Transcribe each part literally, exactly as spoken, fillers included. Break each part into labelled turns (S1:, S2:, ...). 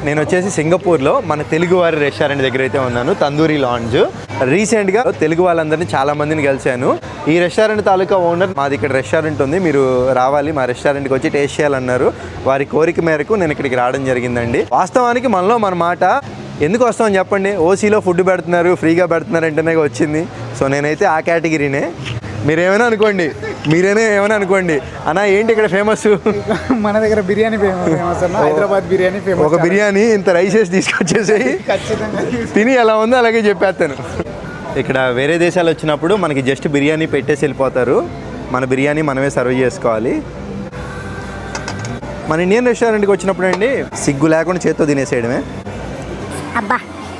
S1: నేను వచ్చేసి సింగపూర్లో మన తెలుగు వారి రెస్టారెంట్ దగ్గర అయితే ఉన్నాను, తందూరి లాంజ్. రీసెంట్గా తెలుగు వాళ్ళందరినీ చాలా మందిని కలిశాను. ఈ రెస్టారెంట్ తాలూకా ఓనర్ మాది ఇక్కడ రెస్టారెంట్ ఉంది, మీరు రావాలి మా రెస్టారెంట్కి వచ్చి టేస్ట్ చేయాలన్నారు. వారి కోరిక మేరకు నేను ఇక్కడికి రావడం జరిగిందండి. వాస్తవానికి మనలో మన మాట ఎందుకు వస్తామని చెప్పండి, ఓసీలో ఫుడ్ పెడుతున్నారు, ఫ్రీగా పెడుతున్నారు అంటేనే వచ్చింది. సో నేనైతే ఆ కేటగిరీనే. మీరేమైనా అనుకోండి, మీరేనా ఏమైనా అనుకోండి. అన్న ఏంటి ఇక్కడ ఫేమస్?
S2: మన దగ్గర బిర్యానీ ఫేమస్ అన్న, హైదరాబాద్ బిర్యానీ ఫేమస్.
S1: ఒక బిర్యానీ ఇంత రైసెస్ తీసుకొచ్చేసి తిని ఎలా ఉందో అలాగే చెప్పేస్తాను. ఇక్కడ వేరే దేశాలు వచ్చినప్పుడు మనకి జస్ట్ బిర్యానీ పెట్టేసి వెళ్ళిపోతారు, మన బిర్యానీ మనమే సర్వ్ చేసుకోవాలి. మన ఇండియన్ రెస్టారెంట్కి వచ్చినప్పుడు అండి సిగ్గు లేకుండా చేత్తో తినేసేయడమే.
S3: అబ్బా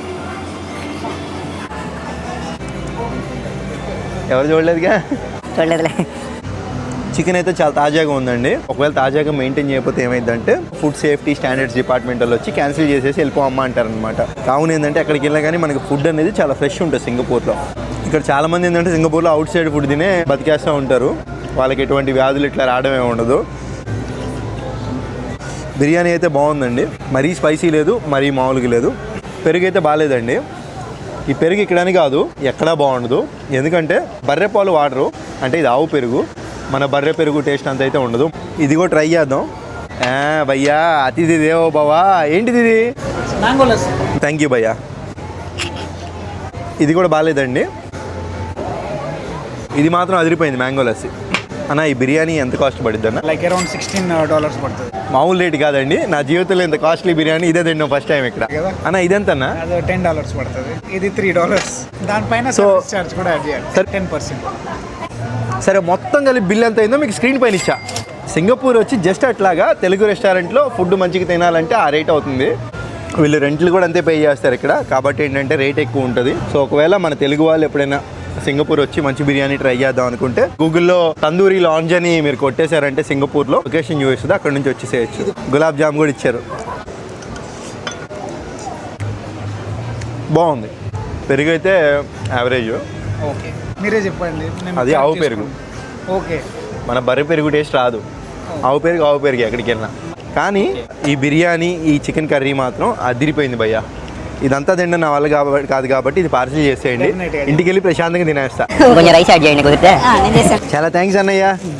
S1: ఎవరు చూడలేదుగా?
S3: చూడలేదులే.
S1: చికెన్ అయితే చాలా తాజాగా ఉందండి. ఒకవేళ తాజాగా మెయింటైన్ చేయకపోతే ఏమైందంటే ఫుడ్ సేఫ్టీ స్టాండర్డ్స్ డిపార్ట్మెంట్ వాళ్ళు వచ్చి క్యాన్సిల్ చేసేసి వెళ్ళిపోమ్మా అంటారనమాట. కావున ఏంటంటే అక్కడికి వెళ్ళినా కానీ మనకి ఫుడ్ అనేది చాలా ఫ్రెష్ ఉంటుంది సింగపూర్లో. ఇక్కడ చాలా మంది ఏంటంటే సింగపూర్లో అవుట్ సైడ్ ఫుడ్ తినే బతికేస్తూ ఉంటారు, వాళ్ళకి ఎటువంటి వ్యాధులు ఇట్లా రావడమే ఉండదు. బిర్యానీ అయితే బాగుందండి, మరీ స్పైసీ లేదు, మరీ మామూలుగా లేదు. పెరుగు అయితే బాగాలేదండి. ఈ పెరుగు ఇక్కడని కాదు ఎక్కడా బాగుండదు, ఎందుకంటే బర్రె పాలు వాడరు, అంటే ఇది ఆవు పెరుగు. మన బర్రె పెరుగు టేస్ట్ అంత అయితే ఉండదు. ఇది కూడా ట్రై చేద్దాం. భయ్యా అతిథి దేవో బావా. ఏంటిది ఇది? థ్యాంక్ యూ భయ్యా. ఇది కూడా బాగాలేదండి, ఇది మాత్రం అదిరిపోయింది మ్యాంగో లస్సీ. అన్న ఈ బిర్యానీ ఎంత కాస్ట్ పడుద్ది అన్న?
S2: లైక్ అరౌండ్ సిక్స్టీన్ డాలర్స్ పడుతుంది.
S1: మామూలు రేట్ కాదండి, నా జీవితంలో ఇంత కాస్ట్లీ బిర్యానీ ఇదే తిన్నాం ఫస్ట్ టైం ఇక్కడ. అన్న ఇదెంత అన్న?
S2: అది టెన్ డాలర్స్ పడుతుంది, ఇది త్రీ డాలర్స్. దానిపైన
S1: సో
S2: చార్జ్ కూడా యాడ్ చేయాలి టెన్ పర్సెంట్.
S1: సరే మొత్తం కలిపి బిల్ ఎంత అయిందో మీకు స్క్రీన్ పైన ఇచ్చా. సింగపూర్ వచ్చి జస్ట్ అట్లాగా తెలుగు రెస్టారెంట్లో ఫుడ్ మంచిగా తినాలంటే ఆ రేట్ అవుతుంది. వీళ్ళు రెంట్లు కూడా అంతే పే చేస్తారు ఇక్కడ, కాబట్టి ఏంటంటే రేట్ ఎక్కువ ఉంటుంది. సో ఒకవేళ మన తెలుగు వాళ్ళు ఎప్పుడైనా సింగపూర్ వచ్చి మంచి బిర్యానీ ట్రై చేద్దాం అనుకుంటే గూగుల్లో తందూరి లాంజ్ అని మీరు కొట్టేశారంటే సింగపూర్లో లొకేషన్ చూపిస్తుంది, అక్కడ నుంచి వచ్చేసేయచ్చు. గులాబ్ జామ్ కూడా ఇచ్చారు, బాగుంది. పెరుగు అయితే యావరేజ్.
S2: ఓకే మీరే చెప్పండి.
S1: అది ఆవు పెరుగు.
S2: ఓకే
S1: మన బర్రె పెరుగు టేస్ట్ రాదు, ఆవు పెరుగు ఆవు పెరుగు ఎక్కడికి వెళ్ళినా. కానీ ఈ బిర్యానీ ఈ చికెన్ కర్రీ మాత్రం అదిరిపోయింది భయ్యా. ఇదంతా తిండి నా వల్ల కాబట్టి కాదు కాబట్టి ఇది పార్సిల్ చేసేయండి, ఇంటికి వెళ్ళి ప్రశాంతంగా తినేస్తా. చాలా థ్యాంక్స్ అన్నయ్య.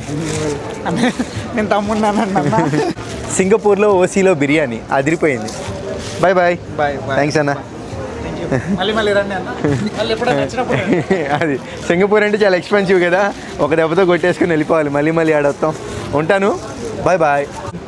S2: నేను తమ్మున్నాను.
S1: సింగపూర్లో ఓసీలో బిర్యానీ అదిరిపోయింది. Bye bye.
S2: బాయ్
S1: థ్యాంక్స్ అన్న.
S2: మళ్ళీ మళ్ళీ రండి అన్న, మళ్ళీ ఎప్పుడైనా వచ్చినప్పుడు.
S1: అది సింగపూర్ అంటే చాలా ఎక్స్పెన్సివ్ కదా, ఒక దెబ్బతో కొట్టేసుకుని వెళ్ళిపోవాలి, మళ్ళీ మళ్ళీ ఆడొస్తాం. ఉంటాను, బాయ్ బాయ్.